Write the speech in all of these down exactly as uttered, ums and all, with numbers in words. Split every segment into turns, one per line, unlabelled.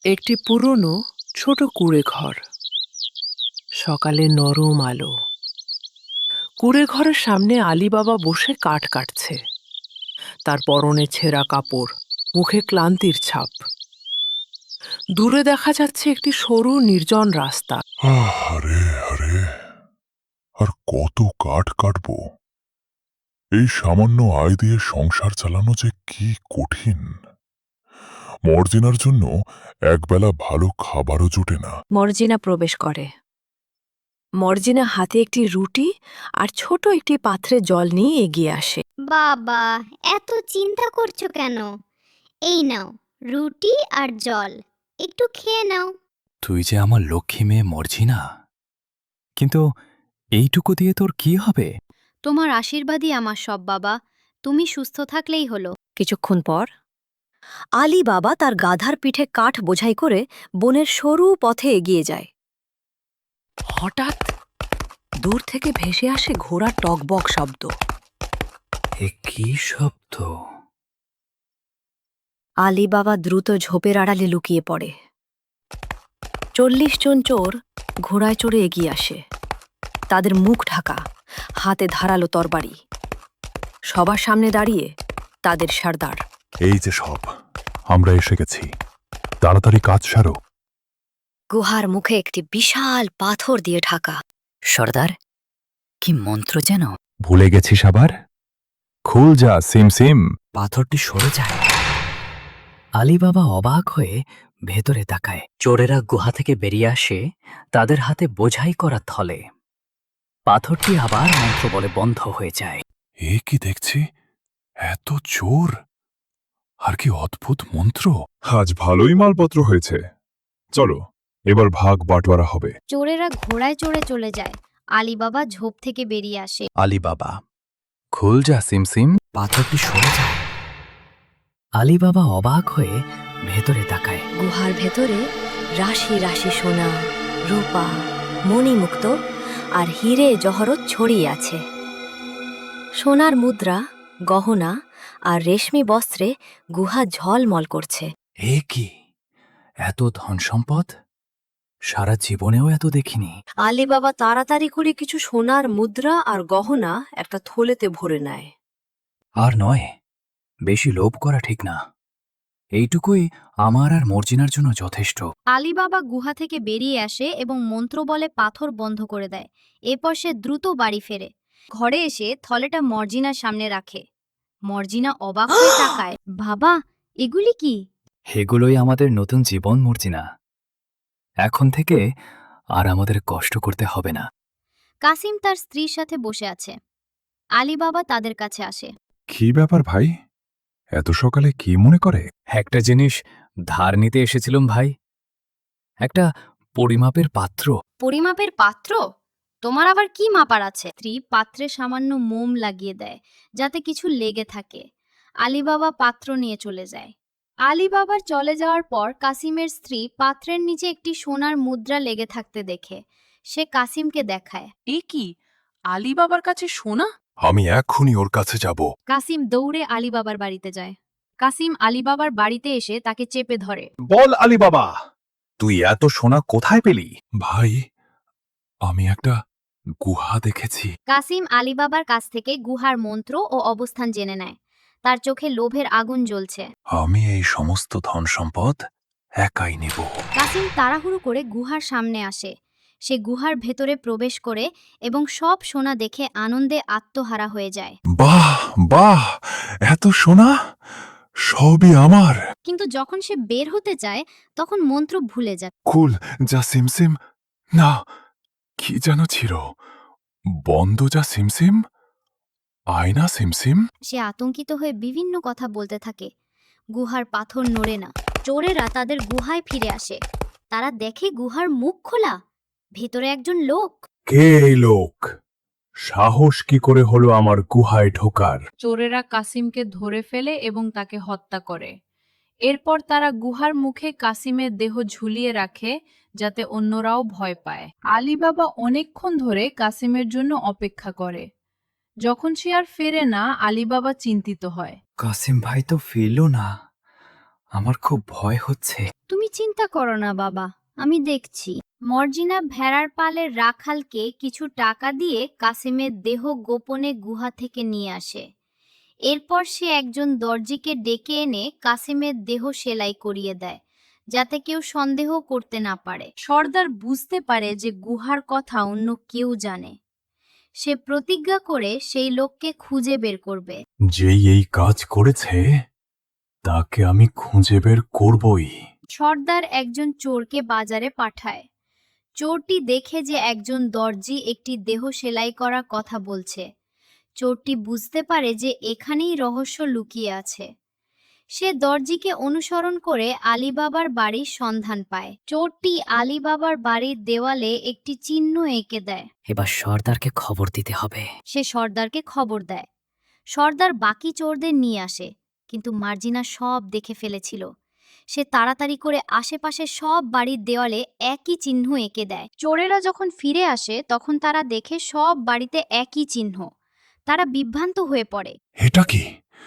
একটি পুরনো ছোট কুঁড়ে ঘর। সকালে নরম আলো। কুঁড়ে ঘরের সামনে আলী বাবা বসে কাঠ কাটছে। তার পরনে ছেঁড়া কাপড়, মুখে ক্লান্তির ছাপ। দূরে দেখা যাচ্ছে একটি সরু নির্জন রাস্তা।
আরে আরে, আর কত কাঠ কাটবো? এই সামান্য আয় দিয়ে সংসার চালানো যে কি কঠিন। মর্জিনার জন্য একবেলা ভালো খাবারও জোটে না।
মর্জিনা প্রবেশ করে। মর্জিনা হাতে একটি রুটি আর ছোট একটি পাত্রে জল নিয়ে এগিয়ে আসে।
বাবা, এত চিন্তা করছো কেন? এই নাও রুটি আর জল, একটু খেয়ে নাও।
তুই যে আমার লক্ষ্মী মেয়ে মর্জিনা, কিন্তু এইটুকু দিয়ে তোর কি হবে?
তোমার আশীর্বাদই আমার সব বাবা, তুমি সুস্থ থাকলেই হলো।
কিছুক্ষণ পর আলী বাবা তার গাধার পিঠে কাঠ বোঝাই করে বনের সরু পথে এগিয়ে যায়। হঠাৎ দূর থেকে ভেসে আসে ঘোড়ার টকবক শব্দ।
এ কি শব্দ?
আলী বাবা দ্রুত ঝোপের আড়ালে লুকিয়ে পড়ে। চল্লিশ জন চোর ঘোড়ায় চড়ে এগিয়ে আসে। তাদের মুখ ঢাকা, হাতে ধারালো তরবারি। সবার সামনে দাঁড়িয়ে তাদের সর্দার।
এই যে সব, আমরা এসে গেছি, তাড়াতাড়ি কাজ সারো।
গুহার মুখে একটি বিশাল পাথর দিয়ে ঢাকা। সর্দার, কি মন্ত্র যেন?
ভুলে গেছিস আবার? খুল যা সিম সিম। পাথরটি সরে যায়। আলী বাবা অবাক হয়ে ভেতরে তাকায়। চোরেরা গুহা থেকে বেরিয়ে আসে, তাদের হাতে বোঝাই করা থলে। পাথরটি আবার মন্ত্র বলে বন্ধ হয়ে যায়।
এ কি দেখছি, এত চোর! আর কি অদ্ভুত মন্ত্র! আজ ভালোই মালপত্র হয়েছে। চলো, এবার ভাগ বাটোয়ারা হবে।
চোরেরা ঘোড়ায় চড়ে চলে যায়। আলী বাবা ঝোপ থেকে বেরিয়ে আসে।
আলী বাবা, খুল যা সিম সিম। পাথরটি সরে যায়। আলী বাবা অবাক হয়ে ভেতরে তাকায়।
গুহার ভেতরে রাশি রাশি সোনা, রূপা, মণিমুক্ত আর হিরে জহরত ছড়িয়ে আছে। সোনার মুদ্রা, গহনা আর রেশমি বস্ত্রে গুহা ঝলমল করছে।
এ কি, এত ধন সম্পদ? সারা জীবনেও এত দেখিনি।
আলী বাবা তাড়াতাড়ি করে কিছু সোনার মুদ্রা আর গহনা একটা থলেতে ভরে নেয়।
আর নয়, বেশি লোভ করা ঠিক না। এইটুকুই আমার আর মর্জিনার জন্য যথেষ্ট।
আলী বাবা গুহা থেকে বেরিয়ে আসে এবং মন্ত্র বলে পাথর বন্ধ করে দেয়। এরপর সে দ্রুত বাড়ি ফেরে। ঘরে এসে থলেটা মর্জিনার সামনে রাখে। মর্জিনা অবাক হয়ে তাকায়। বাবা, এগুলি কি?
এগুলোই আমাদের নতুন জীবন মর্জিনা। এখন থেকে আর আমাদের কষ্ট করতে হবে না।
কাসিম তার স্ত্রীর সাথে বসে আছে। আলী বাবা তাদের কাছে আসে।
কি ব্যাপার ভাই, এত সকালে কি মনে করে?
একটা জিনিস ধার নিতে এসেছিলাম ভাই, একটা পরিমাপের পাত্র।
পরিমাপের পাত্র? তোমার আবার কি মাপার আছে? স্ত্রী পাত্রে সামান্য মোম লাগিয়ে দেয় যাতে কিছু লেগে থাকে। আলী বাবা পাত্র নিয়ে চলে যায়। আলী বাবার চলে যাওয়ার পর কাসিমের স্ত্রী পাত্রের নিচে একটি সোনার মুদ্রা লেগে থাকতে দেখে সে কাসিমকে দেখায়।
এ কি, আলী বাবার কাছে সোনা?
আমি এক্ষুনি ওর কাছে যাব।
কাসিম দৌড়ে আলী বাবার বাড়িতে যায়। কাসিম আলী বাবার বাড়িতে এসে তাকে চেপে ধরে।
বল আলী বাবা, তুই এত সোনা কোথায় পেলি? ভাই, আমি একটা গুহা দেখেছি।
কাসিম আলী বাবার কাছ থেকে গুহার মন্ত্র ও অবস্থান জেনে নেয়। তার চোখে লোভের আগুন জ্বলছে।
আমি এই সমস্ত ধন সম্পদ একাই নেব।
কাসিম তাড়াহুড়ো করে গুহার সামনে আসে। সে গুহার ভেতরে প্রবেশ করে এবং সব সোনা দেখে আনন্দে আত্মহারা হয়ে যায়।
বাহ বাহ, এত সোনা সবই আমার।
কিন্তু যখন সে বের হতে চায় তখন মন্ত্র ভুলে যায়।
কুল যা সিমসিম, না, কি যেন ছিল, বন্ধ যা সিমসিম, আয়না সিমসিম।
সে আতঙ্কিত হয়ে বিভিন্ন কথা বলতে থাকে। গুহার পাথর নড়ে না। চোরেরা তাদের গুহায় ফিরে আসে। তারা দেখে গুহার মুখ খোলা, ভিতরে একজন লোক।
কে এই লোক? সাহস কি করে হলো আমার গুহায় ঢোকার?
চোরেরা কাসিমকে ধরে ফেলে এবং তাকে হত্যা করে। এরপর তারা গুহার মুখে কাসিমের দেহ ঝুলিয়ে রাখে যাতে অন্যরাও ভয় পায়। আলী বাবা অনেকক্ষণ ধরে কাসিমের জন্য অপেক্ষা করে। যখন সে আর ফেরে না, আলী বাবা চিন্তিত হয়।
কাসিম ভাই তো ফিরল না। আমার খুব ভয় হচ্ছে।
তুমি চিন্তা করো না বাবা, আমি দেখছি। মর্জিনা ভেড়ার পালের রাখালকে কিছু টাকা দিয়ে কাসিমের দেহ গোপনে গুহা থেকে নিয়ে আসে। এরপর সে একজন দর্জিকে ডেকে এনে কাসিমের দেহ সেলাই করিয়ে দেয়, যাতে কেউ সন্দেহ করতে না পারে। সর্দার বুঝতে পারে যে গুহার কথা অন্য কেউ জানে। সে প্রতিজ্ঞা করে সেই লোককে খুঁজে বের করবে।
যেই এই কাজ করেছে তাকে আমি খুঁজে বের করবই।
সর্দার একজন চোরকে বাজারে পাঠায়। চোরটি দেখে যে একজন দর্জি একটি দেহ সেলাই করার কথা বলছে। চোরটি বুঝতে পারে যে এখানেই রহস্য লুকিয়ে আছে। সে দর্জিকে অনুসরণ করে আলীবাবার বাড়ির সন্ধান পায়। চোরটি আলীবাবার বাড়ির দেওয়ালে একটি চিহ্ন এঁকে দেয়।
এবার সর্দারকে খবর দিতে হবে।
সে সর্দারকে খবর দেয়। সর্দার বাকি চোরদের নিয়ে আসে, কিন্তু মার্জিনা সব দেখে ফেলেছিল। সে তাড়াতাড়ি করে আশেপাশে সব বাড়ির দেওয়ালে একই চিহ্ন এঁকে দেয়। চোরেরা যখন ফিরে আসে তখন তারা দেখে সব বাড়িতে একই চিহ্ন। তারা বিভ্রান্ত হয়ে পড়ে।
এটা কি?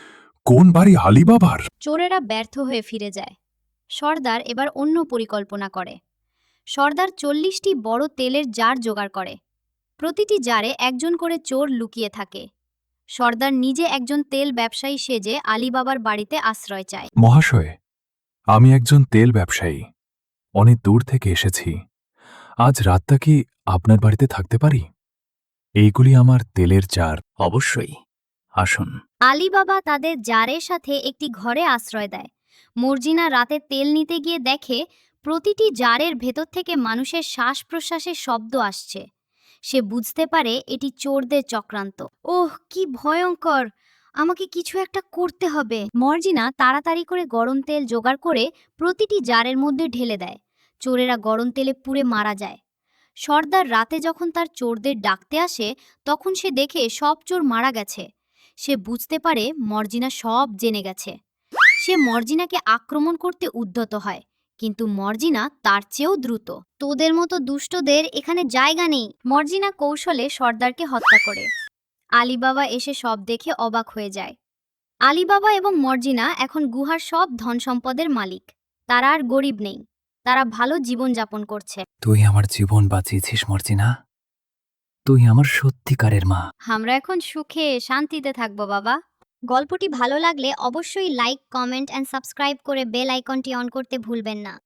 কোন বাড়ি আলীবাবার?
চোরেরা ব্যর্থ হয়ে ফিরে যায়। সর্দার এবার অন্য পরিকল্পনা করে। সর্দার চল্লিশটি বড় তেলের জার জোগাড় করে। প্রতিটি জারে একজন করে চোর লুকিয়ে থাকে। সর্দার নিজে একজন তেল ব্যবসায়ী সেজে আলীবাবার বাড়িতে আশ্রয় চায়।
মহাশয়, আমি একজন তেল ব্যবসায়ী, অনেক দূর থেকে এসেছি। আজ রাতটা কি আপনার বাড়িতে থাকতে পারি? এইগুলি আমার তেলের জার।
অবশ্যই, আসুন।
আলীবাবা তাদের জারের সাথে একটি ঘরে আশ্রয় দেয়। মর্জিনা রাতে তেল নিতে গিয়ে দেখে প্রতিটি জারের ভেতর থেকে মানুষের শ্বাস প্রশ্বাসের শব্দ আসছে। সে বুঝতে পারে এটি চোরদের চক্রান্ত। ওহ, কি ভয়ঙ্কর! আমাকে কিছু একটা করতে হবে। মর্জিনা তাড়াতাড়ি করে গরম তেল জোগাড় করে প্রতিটি জারের মধ্যে ঢেলে দেয়। চোরেরা গরম তেলে পুড়ে মারা যায়। সর্দার রাতে যখন তার চোরদের ডাকতে আসে তখন সে দেখে সব চোর মারা গেছে। সে বুঝতে পারে মর্জিনা সব জেনে গেছে। সে মর্জিনাকে আক্রমণ করতে উদ্যত হয়, কিন্তু মর্জিনা তার চেয়েও দ্রুত। তোদের মতো দুষ্টদের এখানে জায়গা নেই। মর্জিনা কৌশলে সর্দারকে হত্যা করে। আলীবাবা এসে সব দেখে অবাক হয়ে যায়। আলীবাবা এবং মর্জিনা এখন গুহার সব ধন সম্পদের মালিক। তারা আর গরিব নেই, তারা ভালো জীবন যাপন করছে।
তুই আমার জীবন বাঁচিয়েছিস মর্জিনা। তুই আমার সত্যিকারের মা।
আমরা এখন সুখে শান্তিতে থাকবো বাবা। গল্পটি ভালো লাগলে অবশ্যই লাইক, কমেন্ট এন্ড সাবস্ক্রাইব করে বেল আইকনটি অন করতে ভুলবেন না।